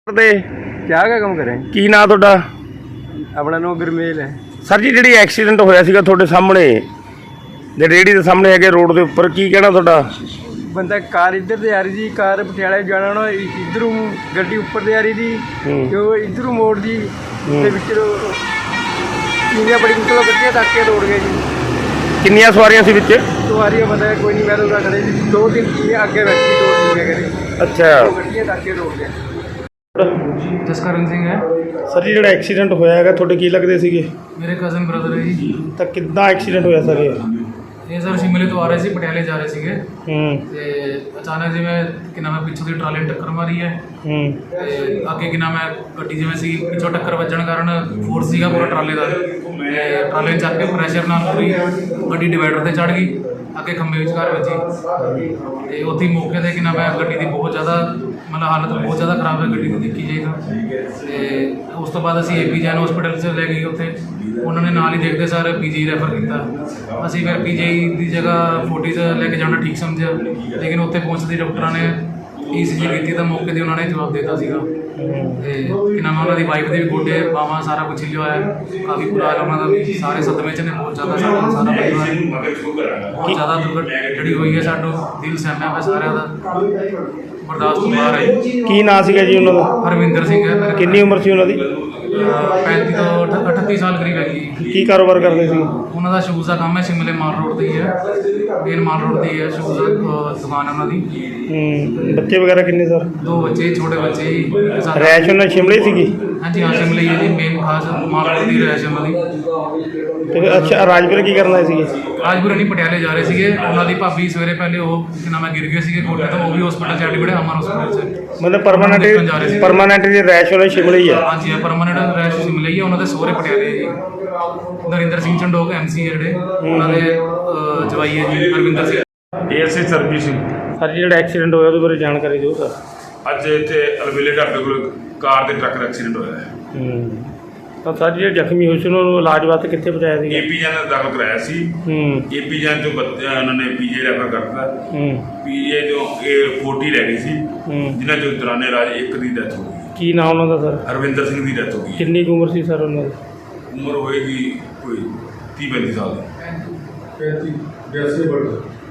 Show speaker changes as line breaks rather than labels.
ਕਰਦੇ
क्या काम करें?
ਕੀ ਨਾਂ ਤੁਹਾਡਾ
अपना नाम गुरमेल है।
ਸਰ ਜੀ ਜਿਹੜੀ ਐਕਸੀਡੈਂਟ ਹੋਇਆ ਸੀਗਾ ਤੁਹਾਡੇ ਸਾਹਮਣੇ ਜੇ ਰੇਹੜੀ ਦੇ ਸਾਹਮਣੇ ਹੈਗੇ ਰੋਡ ਦੇ ਉੱਪਰ ਕੀ ਕਹਿਣਾ ਤੁਹਾਡਾ?
बंदा कार इधर से आ रही थी, कार पटियाला जाना ना, इधरों गड्डी ऊपर से आ रही थी, जो इधरों मोड़ दी ते विच किन्नियां बड़ी मुश्किल गड्डियां टाके तोड़ गए जी।
ਕਿੰਨੀਆਂ ਸਵਾਰੀਆਂ ਸੀ ਵਿੱਚ?
सवारियां बंदा कोई नहीं, मैं तो खड़े थी, 2-3 चीज़ें आगे बैठी तोड़ दी करी,
ਅੱਛਾ
गड्डियां टाके तोड़ गए।
ਜਸਕਰਨ ਸਿੰਘ ਹੈ।
ਸਰ ਜੀ ਜਿਹੜਾ ਐਕਸੀਡੈਂਟ ਹੋਇਆ ਹੈਗਾ ਤੁਹਾਡੇ ਕੀ ਲੱਗਦੇ ਸੀਗੇ?
ਮੇਰੇ ਕਜ਼ਨ ਬ੍ਰਦਰ ਹੈ ਜੀ।
ਤਾਂ ਕਿੱਦਾਂ ਐਕਸੀਡੈਂਟ ਹੋਇਆ ਸਰ
ਇਹ ਸਰ ਸ਼ਿਮਲੇ ਤੋਂ ਆ ਰਹੇ ਸੀ, ਪਟਿਆਲੇ ਜਾ ਰਹੇ ਸੀਗੇ
ਤੇ
ਤੇ ਅਚਾਨਕ ਜਿਵੇਂ ਕਿ ਨਾਮ ਹੈ ਪਿੱਛੋਂ ਦੀ ਟਰਾਲੀ ਨੇ ਟੱਕਰ ਮਾਰੀ ਹੈ ਤੇ ਅੱਗੇ ਕਿ ਨਾਮ ਹੈ ਗੱਡੀ ਜਿਵੇਂ ਸੀ ਪਿੱਛੋਂ ਟੱਕਰ ਵੱਜਣ ਕਾਰਨ ਫੋਰਸ ਸੀਗਾ ਪੂਰਾ ਟਰਾਲੇ ਦਾ ਤੇ ਟਰਾਲੇ ਚੱਕ ਕੇ ਪ੍ਰੈਸ਼ਰ ਨਾਲ ਪੂਰੀ ਗੱਡੀ ਡਿਵਾਈਡਰ ਤੇ ਚੜ ਗਈ, ਅੱਗੇ ਖੰਭੇ ਵਿਚਕਾਰ ਵੱਜੀ ਤੇ ਉੱਥੇ ਹੀ ਮੌਕੇ 'ਤੇ ਕਿ ਨਾਮ ਹੈ ਗੱਡੀ ਦੀ ਬਹੁਤ ਜ਼ਿਆਦਾ ਮਤਲਬ ਹਾਲਤ ਬਹੁਤ ਜ਼ਿਆਦਾ ਖਰਾਬ ਹੈ ਗੱਡੀ ਦੀ ਦੇਖੀ ਜਾਏ ਤਾਂ। ਤੇ ਉਸ ਤੋਂ ਬਾਅਦ ਅਸੀਂ ਏਪੀ ਜੈਨ ਹਸਪੀਟਲ 'ਚ ਲੈ ਗਏ, ਉੱਥੇ ਉਹਨਾਂ ਨੇ ਨਾਲ ਹੀ ਦੇਖਦੇ ਸਰ ਪੀਜੀ ਰੈਫਰ ਕੀਤਾ। ਅਸੀਂ ਫਿਰ ਪੀਜੀ ਦੀ ਜਗ੍ਹਾ 40 'ਚ ਲੈ ਕੇ ਜਾਣਾ ਠੀਕ ਸਮਝਿਆ, ਲੇਕਿਨ ਉੱਥੇ ਪਹੁੰਚਦੇ ਡਾਕਟਰਾਂ ਨੇ ECG ਕੀਤੀ ਤਾਂ ਮੌਕੇ 'ਤੇ ਉਹਨਾਂ ਨੇ ਜਵਾਬ ਦਿੱਤਾ ਸੀਗਾ ਤੇ ਕਿ ਨਾਮ ਉਹਨਾਂ ਦੀ ਵਾਈਫ ਦੇ ਵੀ ਗੋਡੇ ਬਾਹਾਂ ਸਾਰਾ ਕੁਛ ਹਿੱਲਿਆ ਹੋਇਆ, ਕਾਫੀ ਬੁਰਾ ਹਾਲ ਉਹਨਾਂ ਦਾ ਵੀ, ਸਾਰੇ ਸਦਮੇ 'ਚ ਨੇ ਬਹੁਤ ਜ਼ਿਆਦਾ। ਸਾਰਾ ਪਰਿਵਾਰ ਬਹੁਤ ਜ਼ਿਆਦਾ ਦੁਰਘਟਨਾ ਜਿਹੜੀ ਹੋਈ ਹੈ, ਸਾਡਾ ਦਿਲ ਸਹਿਮਿਆ ਹੋਇਆ ਸਾਰਿਆਂ ਦਾ, ਬਰਦਾਸ਼ਤ ਤੋਂ ਬਾਹਰ ਹੈ।
ਕੀ ਨਾਂ ਸੀਗਾ ਜੀ ਉਹਨਾਂ ਦਾ?
ਹਰਵਿੰਦਰ ਸਿੰਘ ਹੈ।
ਕਿੰਨੀ ਉਮਰ ਸੀ ਉਹਨਾਂ ਦੀ?
35 ਤੋਂ 38 ਸਾਲ ਕਰੀਬ ਹੈਗੀ।
ਕੀ ਕਾਰੋਬਾਰ ਕਰਦੇ ਸੀ?
ਉਹਨਾਂ ਦਾ ਸ਼ੂਜ਼ ਦਾ ਕੰਮ ਹੈ, ਸ਼ਿਮਲੇ ਮਾਲ ਰੋਡ ਤੇ ਹੀ ਹੈ, ਮੇਨ ਮਾਲ ਰੋਡ ਤੇ ਹੀ ਹੈ ਸ਼ੂਜ਼ ਦੁਕਾਨ ਉਹਨਾਂ ਦੀ।
ਬੱਚੇ ਵਗੈਰਾ ਕਿੰਨੇ ਸਰ?
2 ਬੱਚੇ, ਛੋਟੇ ਬੱਚੇ ਹੀ।
ਰੈਸ਼ ਉਹਨਾਂ ਸ਼ਿਮਲੇ ਸੀਗੀ?
ਹਾਂਜੀ ਹਾਂ, ਸ਼ਿਮਲੇ ਹੀ ਹੈ ਜੀ, ਮੇਨ ਖਾਸ ਮਾਲ ਰੋਡ ਦੀ ਰਹਿਸ਼ ਉਹਨਾਂ ਦੀ।
ਤੇ ਅੱਛਾ ਰਾਜਪੁਰ ਕੀ ਕਰਨ ਆਏ ਸੀਗੇ?
ਰਾਜਪੁਰ ਨਹੀਂ, ਪਟਿਆਲੇ ਜਾ ਰਹੇ ਸੀਗੇ। ਉਹਨਾਂ ਦੀ ਭਾਬੀ ਸਵੇਰੇ ਪਹਿਲੇ ਉਹ ਕਿ ਨਾਮ ਹੈ ਗਿਰ ਗਏ ਸੀਗੇ ਗੋਡੇ ਤੋਂ, ਉਹ ਵੀ ਹਸਪੀਟਲ 'ਚ ਐਡਮਿਟ ਹੈ, ਅਮਰ ਹਸਪੀਟਲ 'ਚ।
ਮਤਲਬ ਪਰਮਾਨੈਂਟ ਦੀ ਰੈਸ਼ ਉਹਨਾਂ ਸ਼ਿਮਲੇ ਹੀ ਹੈ?
ਹਾਂਜੀ ਹਾਂ, ਪਰਮਾਨੈਂਟ ਰੈਸ਼ ਸ਼ਿਮਲੇ ਹੀ ਹੈ। ਉਹਨਾਂ ਦੇ ਸਹੁਰੇ ਪਟਿਆਲੇ ਹੈ ਜੀ। ਨਰਿੰਦਰ ਸਿੰਘ ਚੰਡੋਕ MC ਹੈ ਜਿਹੜੇ, ਉਹਨਾਂ ਦੇ ਜਵਾਈ ਹੈ ਜੀ ਹਰਵਿੰਦਰ ਸਿੰਘ।
ASI ਸਰਬਜੀਤ ਸਿੰਘ।
ਸਰ ਜੀ ਜਿਹੜਾ ਐਕਸੀਡੈਂਟ ਹੋਇਆ ਉਹਦੇ ਬਾਰੇ ਜਾਣਕਾਰੀ ਦਿਓ ਸਰ।
ਅੱਜ ਇੱਥੇ ਅਲਵੇਲੇ ਢਾਬੇ ਕੋਲ ਕਾਰ ਤੇ ਟਰੱਕ ਦਾ ਐਕਸੀਡੈਂਟ ਹੋਇਆ ਹੈ।
ਤਾਂ ਸਰ ਜਿਹੜੇ ਜ਼ਖਮੀ ਹੋਏ ਸੀ ਉਹਨਾਂ ਨੂੰ ਇਲਾਜ ਵਾਸਤੇ ਕਿੱਥੇ ਪਹੁੰਚਾਇਆ ਸੀਗਾ?
AP ਜਨ ਦਾਖਲ ਕਰਾਇਆ ਸੀ। AP ਜਨ ਤੋਂ ਉਹਨਾਂ ਨੇ PJ ਰੈਫਰ ਕਰਤਾ। PJ ਤੋਂ ਇਹ 40 ਰਹਿ ਗਈ ਸੀ, ਜਿਨ੍ਹਾਂ ਚੋਂ ਦੌਰਾਨੇ ਰਾਜ ਇੱਕ ਦੀ ਡੈਥ ਹੋ ਗਈ।
ਕੀ ਨਾਮ ਉਹਨਾਂ ਦਾ ਸਰ?
ਹਰਵਿੰਦਰ ਸਿੰਘ ਦੀ ਡੈਥ ਹੋ ਗਈ।
ਕਿੰਨੀ ਕੁ ਉਮਰ ਸੀ ਸਰ ਉਹਨਾਂ ਦੀ?
ਉਮਰ ਹੋਏਗੀ ਕੋਈ 30-35 ਸਾਲ ਦੀ।
35 82 ਬਰਥ।